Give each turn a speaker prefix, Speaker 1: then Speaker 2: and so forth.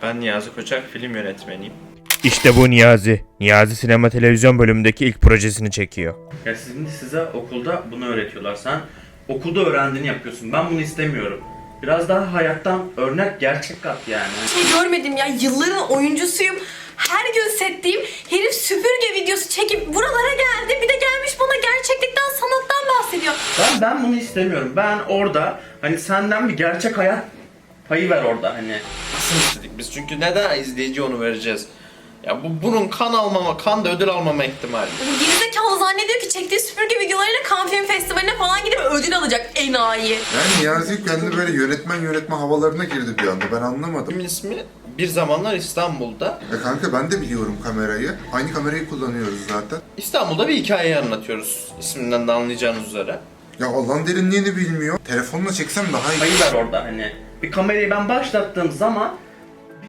Speaker 1: Ben Niyazi Koçak, film yönetmeniyim.
Speaker 2: İşte bu Niyazi. Niyazi sinema televizyon bölümündeki ilk projesini çekiyor.
Speaker 1: Ya size okulda bunu öğretiyorlar. Sen okulda öğrendiğini yapıyorsun. Ben bunu istemiyorum. Biraz daha hayattan örnek, gerçek kat yani.
Speaker 3: Görmedim ya, yılların oyuncusuyum. Her gün setteyim. Herif süpürge videosu çekip buralara geldi. Bir de gelmiş bana gerçeklikten, sanattan bahsediyor.
Speaker 1: Ben bunu istemiyorum. Ben orada hani senden bir gerçek hayat payı ver orada hani.
Speaker 4: Nasıl istedik biz? Çünkü neden izleyici onu vereceğiz? Ya bunun kan da ödül almama ihtimali.
Speaker 3: Bu gerizekalı zannediyor ki çektiği süpürge videolarıyla Cannes Film Festivali'ne falan gidip ödül alacak, enayi.
Speaker 5: Yani Niyazi kendi böyle yönetmen havalarına girdi bir anda, ben anlamadım.
Speaker 4: Filmin ismi Bir Zamanlar İstanbul'da.
Speaker 5: Kanka ben de biliyorum kamerayı. Aynı kamerayı kullanıyoruz zaten.
Speaker 4: İstanbul'da bir hikayeyi anlatıyoruz. İsminden de anlayacağınız üzere.
Speaker 5: Ya Allah'ın derinliğini bilmiyor. Telefonla çeksem daha iyi.
Speaker 1: Payı ver orada hani. Bir kamerayı ben başlattığım zaman